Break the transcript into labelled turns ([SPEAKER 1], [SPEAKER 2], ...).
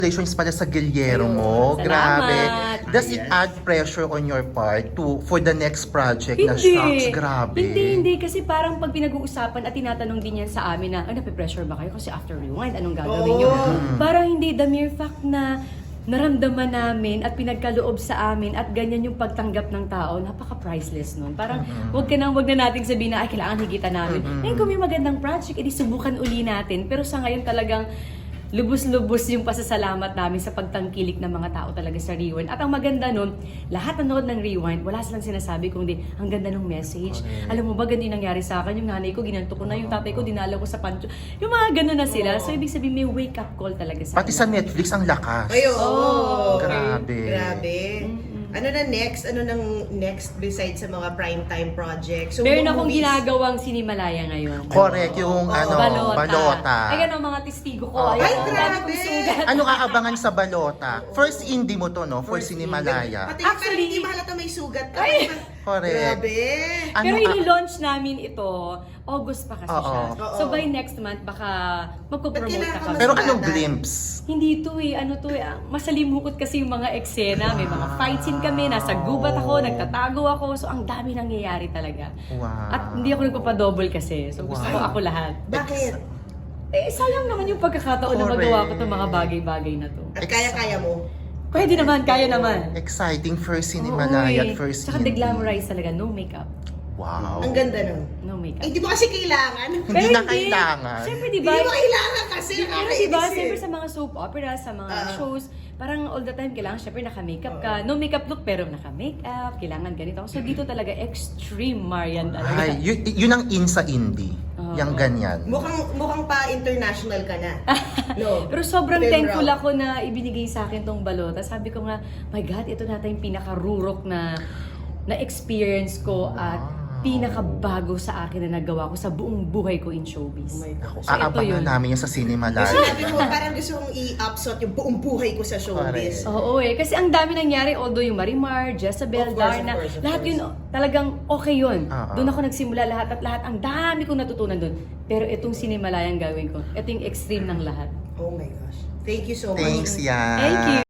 [SPEAKER 1] Congratulations pala sa Gilyero mo.
[SPEAKER 2] Salamat.
[SPEAKER 1] Grabe. Does it add pressure on your part for the next project na
[SPEAKER 2] Hindi.
[SPEAKER 1] Shocks? Grabe.
[SPEAKER 2] Hindi. Kasi parang pag pinag-uusapan at tinatanong din yan sa amin na, nape-pressure ba kayo? Kasi after Rewind, anong gagawin nyo? Parang hindi, the mere fact na naramdaman namin at pinagkaloob sa amin at ganyan yung pagtanggap ng tao, napaka-priceless nun. Parang wag na nating sabihin na, ay, kailangan higitan namin. Ngayon kung may magandang project, edi subukan uli natin. Pero sa ngayon talagang lubos-lubos yung pasasalamat namin sa pagtangkilik ng mga tao talaga sa Rewind. At ang maganda nun, lahat nanood ng Rewind, wala silang sinasabi kundi ang ganda ng message.
[SPEAKER 1] Okay.
[SPEAKER 2] Alam mo ba, ganun yung nangyari sa akin. Yung nanay ko, ginanto ko na. Yung tatay ko, dinala ko sa pancho. Yung mga ganun na sila. So, ibig sabihin, may wake-up call talaga sa
[SPEAKER 1] Pati sa Netflix, ang lakas.
[SPEAKER 3] Ay,
[SPEAKER 2] Oh,
[SPEAKER 1] Grabe.
[SPEAKER 3] Grabe. Ano na next? Ano nang next besides sa mga primetime projects? So,
[SPEAKER 2] Meron
[SPEAKER 3] mga
[SPEAKER 2] akong
[SPEAKER 3] movies.
[SPEAKER 2] ginagawang sinimalaya ngayon.
[SPEAKER 1] Correct, yung balota.
[SPEAKER 2] Ay, ang mga testigo
[SPEAKER 1] Oh.
[SPEAKER 2] ko. Ayan,
[SPEAKER 3] Ay,
[SPEAKER 2] ang dami
[SPEAKER 3] grabe.
[SPEAKER 2] kong sugat.
[SPEAKER 1] Anong aabangan sa balota? First indie mo to, no? For Sinimalaya.
[SPEAKER 3] Pati
[SPEAKER 2] Actually,
[SPEAKER 3] actually, hindi mahalata may sugat ka.
[SPEAKER 2] Ay!
[SPEAKER 1] Correct.
[SPEAKER 3] Grabe.
[SPEAKER 1] Ano
[SPEAKER 2] Pero
[SPEAKER 1] ka-
[SPEAKER 2] i-launch namin ito, August pa kasi siya.
[SPEAKER 3] Oo.
[SPEAKER 2] So by next month, baka magpo-promote
[SPEAKER 3] Ba't
[SPEAKER 2] na
[SPEAKER 3] kailangan
[SPEAKER 2] kami.
[SPEAKER 1] Pero
[SPEAKER 3] Sugatan.
[SPEAKER 1] anong glimpse?
[SPEAKER 2] Hindi to eh, masalimukot kasi yung mga eksena, may mga fight scene kami, nasa gubat ako, nagtatago ako, so ang dami nangyayari talaga.
[SPEAKER 1] Wow.
[SPEAKER 2] At hindi ako nagpapadouble kasi, so gusto ko
[SPEAKER 1] Wow.
[SPEAKER 2] ako lahat.
[SPEAKER 3] Bakit?
[SPEAKER 2] Eh, sayang naman yung pagkakataon na
[SPEAKER 1] Correct.
[SPEAKER 2] magawa ko itong mga bagay-bagay na to.
[SPEAKER 3] At kaya-kaya mo?
[SPEAKER 2] Pwede naman, kaya naman.
[SPEAKER 1] Exciting first Sinimalaya at first
[SPEAKER 2] Tsaka
[SPEAKER 1] indie.
[SPEAKER 2] de-glamorize talaga, no makeup.
[SPEAKER 1] Wow.
[SPEAKER 3] Ang ganda nun.
[SPEAKER 2] No makeup.
[SPEAKER 3] Eh, di mo kasi kailangan.
[SPEAKER 1] Hindi na kailangan.
[SPEAKER 2] Siyempre, di
[SPEAKER 3] Hindi
[SPEAKER 2] ba?
[SPEAKER 3] mo kailangan kasi.
[SPEAKER 2] Pero
[SPEAKER 3] nakakainis
[SPEAKER 2] diba,
[SPEAKER 3] eh.
[SPEAKER 2] siyempre sa mga soap opera, sa mga shows, parang all the time kailangan siyempre naka-makeup ka. No makeup look pero naka-makeup, kailangan ganito. So dito talaga extreme Marian talaga.
[SPEAKER 1] Ay, yun ang in sa indie. Yang ganyan.
[SPEAKER 3] Mukhang pa international ka na. No.
[SPEAKER 2] Pero sobrang
[SPEAKER 3] Film
[SPEAKER 2] thankful
[SPEAKER 3] route.
[SPEAKER 2] ako na ibinigay sa akin tong balota. Sabi ko nga, my God, ito na yung pinaka-rurok na experience ko at pinakabago sa akin na nagawa ko sa buong buhay ko in showbiz.
[SPEAKER 3] Oh my gosh.
[SPEAKER 2] So, ito
[SPEAKER 1] Aabangan
[SPEAKER 2] yun.
[SPEAKER 1] namin yan sa Sinimalaya.
[SPEAKER 3] Sabi mo, parang gusto kong i-upsot yung buong buhay ko sa showbiz.
[SPEAKER 2] Oo eh. Kasi ang dami nangyari, although yung Marimar,
[SPEAKER 3] Of
[SPEAKER 2] Jezebel,
[SPEAKER 3] course,
[SPEAKER 2] Darna,
[SPEAKER 3] of course, of
[SPEAKER 2] lahat
[SPEAKER 3] course.
[SPEAKER 2] yun talagang okay yun.
[SPEAKER 1] Oo.
[SPEAKER 2] Doon ako nagsimula lahat at lahat. Ang dami kong natutunan doon. Pero itong Sinimalayang gawin ko, ito yung extreme ng lahat.
[SPEAKER 3] Oh my gosh. Thank you so much.
[SPEAKER 1] Thanks, yan.
[SPEAKER 2] Thank you.